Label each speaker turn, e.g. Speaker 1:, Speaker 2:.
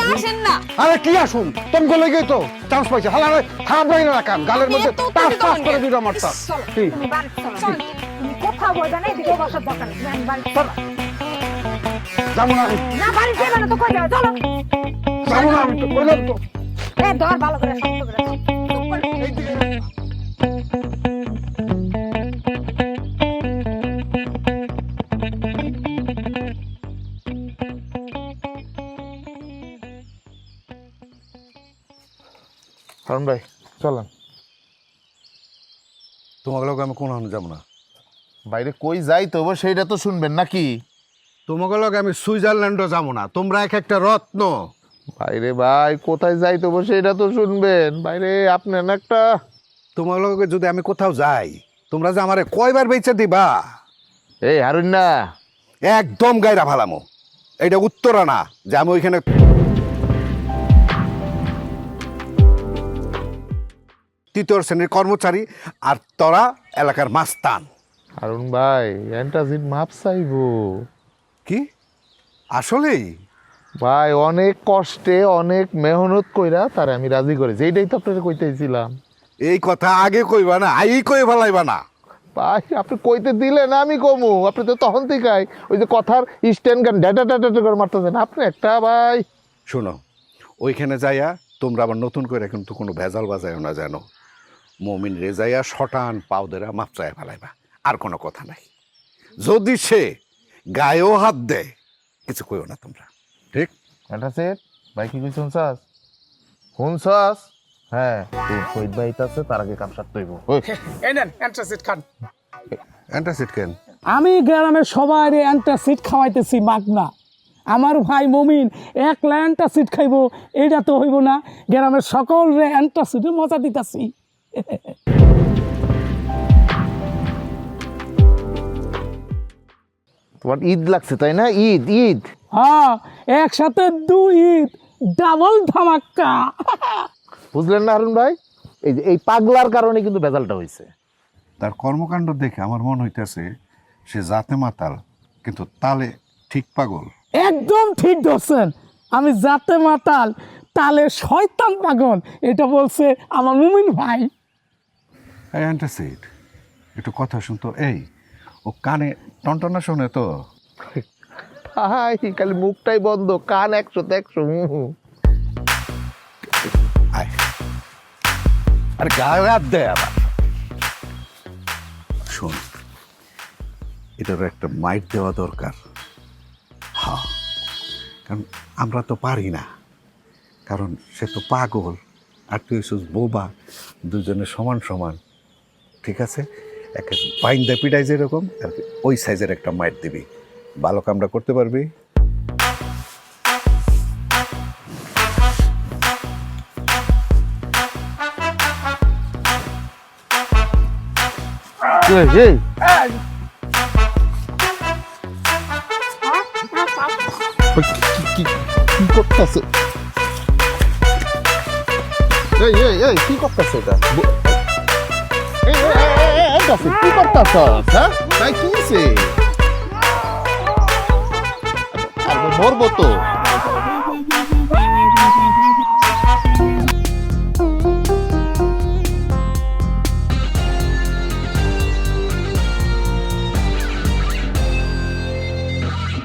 Speaker 1: আসেন না।
Speaker 2: আরে কি আসুন তুমি গলে গিয়ে তো চান্স পাইছে হালা খারাপ লাগে না কাম গালের মধ্যে টাস টাস করে দুটো মারতা কি
Speaker 3: তুমি বাড়ি চলো তুমি কোথাও বলবে না এদিকে বসার দরকার নেই আমি বাড়ি চলো
Speaker 2: যাবো না আমি,
Speaker 3: না বাড়ি যাবে না তো কই যাবে চলো
Speaker 2: যাবো না আমি তো কইলাম তো
Speaker 3: এ ধর ভালো করে শক্ত করে ধর। চুপ করে।
Speaker 4: হারুন ভাই চলেন।
Speaker 2: তোমাকে লোক আমি কোনো যাবো না
Speaker 4: বাইরে কই যাই তো সেইটা তো শুনবেন নাকি?
Speaker 2: তোমাকে লোক আমি সুইজারল্যান্ডও যাবো না তোমরা এক একটা রত্ন
Speaker 4: বাইরে ভাই কোথায় যাই তো সেইটা তো শুনবেন। বাইরে আপনার একটা
Speaker 2: তোমার লগে যদি আমি কোথাও যাই তোমরা যে আমারে কয়বার বেচে দিবা
Speaker 4: এই হারুন না
Speaker 2: একদম গায়রা ভালামো এটা উত্তরা না যে আমি ওইখানে তৃতীয় শ্রেণীর কর্মচারী আর তোরা এলাকার মাস্তান
Speaker 4: হারুন ভাই অ্যান্টাসিড মাপ চাইবো
Speaker 2: কি আসলেই
Speaker 4: ভাই অনেক কষ্টে অনেক মেহনত কইরা তার আমি রাজি করেছি এইটাই তো আপনাকে কইতেছিলাম।
Speaker 2: এই কথা আগে কইবা না আই কই ফেলাইবা না
Speaker 4: ভাই আপনি কইতে দিলেন আমি কমু আপনি তো তখন থেকেই ওই যে কথার স্ট্যান্ড গান ডেটা ডেটা করে মারতেছেন আপনি একটা ভাই।
Speaker 2: শোনো ওইখানে যাইয়া তোমরা আবার নতুন করে কিন্তু কোনো ভেজাল বাজায়ও না জানো মমিন রেজাইয়া শটান পাউদেরা মাপচায় ফেলাইবা আর কোনো কথা নাই যদি সে গায়েও হাত দেয় কিছু কইও না তোমরা ঠিক
Speaker 4: অ্যান্টাসিড ভাই কি কইছ শুনছাস শুনছাস? হ্যাঁ তোর শহীদ ভাই আছে তার আগে কাম সারতে হইব। ওই
Speaker 5: এই নেন অ্যান্টাসিড খান।
Speaker 2: অ্যান্টাসিড কেন
Speaker 5: আমি গ্রামের সবাই অ্যান্টাসিড খাওয়াইতেছি মাগনা। আমার ভাই মমিন একলা অ্যান্টাসিড খাইব এইটা তো হইব না, গ্রামের সকল রে অ্যান্টাসিডে মজা দিতেছি।
Speaker 4: তোমার ঈদ লাগছে তাই না? ঈদ ঈদ
Speaker 5: হ্যাঁ একসাথে দুই ঈদ ডাবল ধামাক্কা।
Speaker 4: বুঝলেন না হারুন ভাই? এই যে এই পাগলার কারণে কিন্তু ভেজালটা হয়েছে।
Speaker 2: তার কর্মকাণ্ড দেখে আমার মন হইতেছে সে জাতে মাতাল কিন্তু তালে ঠিক পাগল
Speaker 5: একদম ঠিক ধরছেন, আমি জাতে মাতাল তালে শয়তান পাগল, এটা বলছে আমার মুমিন ভাই।
Speaker 2: এই অ্যান্টাসিড একটু কথা শুনতো এই ও কানে টনটনা শোনে তো
Speaker 4: ভাই খালি মুখটাই বন্ধ কান 100-100
Speaker 2: আয় আরে গায়ে হাত দেয় আবার শোন এটার একটা মাইট দেওয়া দরকার হ্যাঁ কারণ আমরা তো পারি না কারণ সে তো পাগল আর তুই হচ্ছিস বোবা দুজনে সমান সমান ঠিক আছে একটা বাইন্দা পিটাই যেরকম আর কি ওই সাইজের একটা মাইট দিবি ভালো কামটা করতে পারবি
Speaker 4: এই এই কি করতেছে? এই এই এই কি করতেছে এটা? এই কি করতেছ? হ্যাঁ ভাই কি হয়েছে? মরবো তো।